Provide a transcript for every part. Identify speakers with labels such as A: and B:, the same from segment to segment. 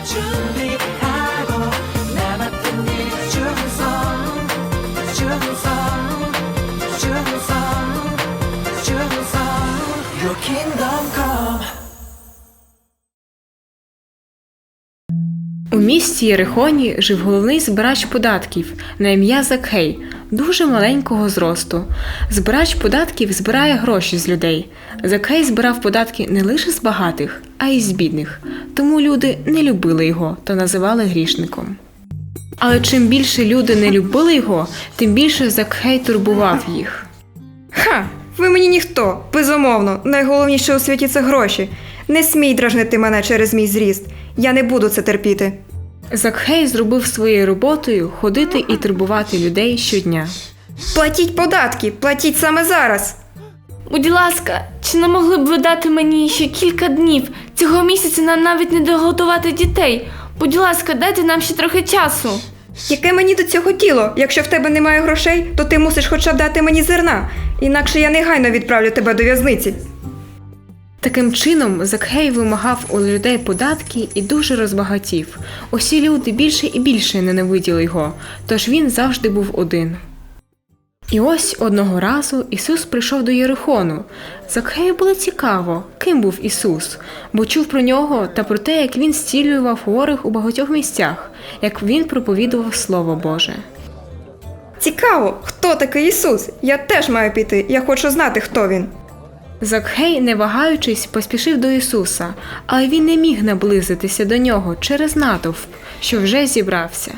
A: 준비하고 나 맡은 일 충성 Your kingdom come.
B: У місті Єрихоні жив головний збирач податків на ім'я Закхей, дуже маленького зросту. Збирач податків збирає гроші з людей. Закхей збирав податки не лише з багатих, а й з бідних. Тому люди не любили його та називали грішником. Але чим більше люди не любили його, тим більше Закхей турбував їх.
C: Ха! Ви мені ніхто, безумовно. Найголовніше у світі – це гроші. Не смій дражнити мене через мій зріст. Я не буду це терпіти.
B: Закхей зробив своєю роботою ходити і турбувати людей щодня.
C: Платіть податки, платіть саме зараз.
D: Будь ласка, чи не могли б ви дати мені ще кілька днів? Цього місяця нам навіть не догодувати дітей. Будь ласка, дайте нам ще трохи часу.
C: Яке мені до цього діло? Якщо в тебе немає грошей, то ти мусиш хоча б дати мені зерна. Інакше я негайно відправлю тебе до в'язниці.
B: Таким чином, Закхей вимагав у людей податки і дуже розбагатів. Усі люди більше і більше ненавиділи його, тож він завжди був один. І ось одного разу Ісус прийшов до Єрихону. Закхею було цікаво, ким був Ісус, бо чув про нього та про те, як він зцілював хворих у багатьох місцях, як він проповідував Слово Боже.
C: Цікаво, хто такий Ісус? Я теж маю піти, я хочу знати, хто він.
B: Закхей, не вагаючись, поспішив до Ісуса, але він не міг наблизитися до нього через натовп, що вже зібрався.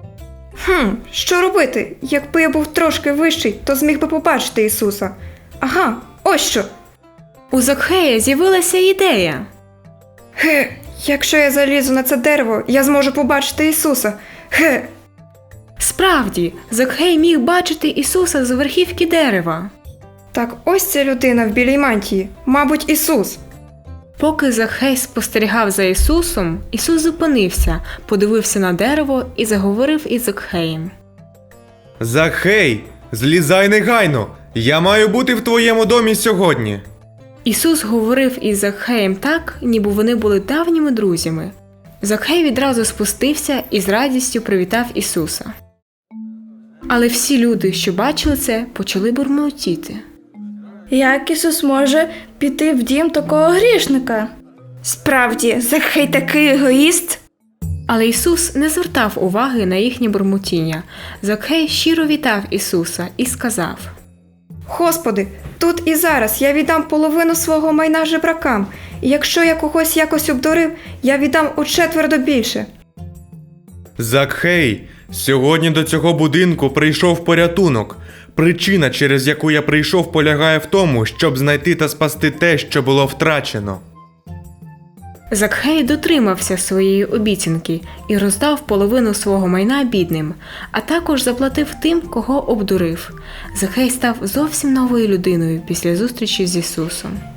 C: Що робити? Якби я був трошки вищий, то зміг би побачити Ісуса. Ага, ось що.
B: У Закхея з'явилася ідея.
C: Якщо я залізу на це дерево, я зможу побачити Ісуса.
B: Справді, Закхей міг бачити Ісуса з верхівки дерева.
C: Так ось ця людина в білій мантії. Мабуть, Ісус.
B: Поки Закхей спостерігав за Ісусом, Ісус зупинився, подивився на дерево і заговорив із Закхеєм.
E: Закхей, злізай негайно! Я маю бути в твоєму домі сьогодні.
B: Ісус говорив із Закхеєм так, ніби вони були давніми друзями. Закхей відразу спустився і з радістю привітав Ісуса. Але всі люди, що бачили це, почали бурмотіти.
D: Як Ісус може піти в дім такого грішника?
C: Справді, Закхей такий егоїст.
B: Але Ісус не звертав уваги на їхнє бурмотіння. Закхей щиро вітав Ісуса і сказав:
C: Господи, тут і зараз я віддам половину свого майна жебракам, і якщо я когось якось обдурив, я віддам учетверо більше.
E: Закхей, сьогодні до цього будинку прийшов порятунок. Причина, через яку я прийшов, полягає в тому, щоб знайти та спасти те, що було втрачено.
B: Закхей дотримався своєї обіцянки і роздав половину свого майна бідним, а також заплатив тим, кого обдурив. Закхей став зовсім новою людиною після зустрічі з Ісусом.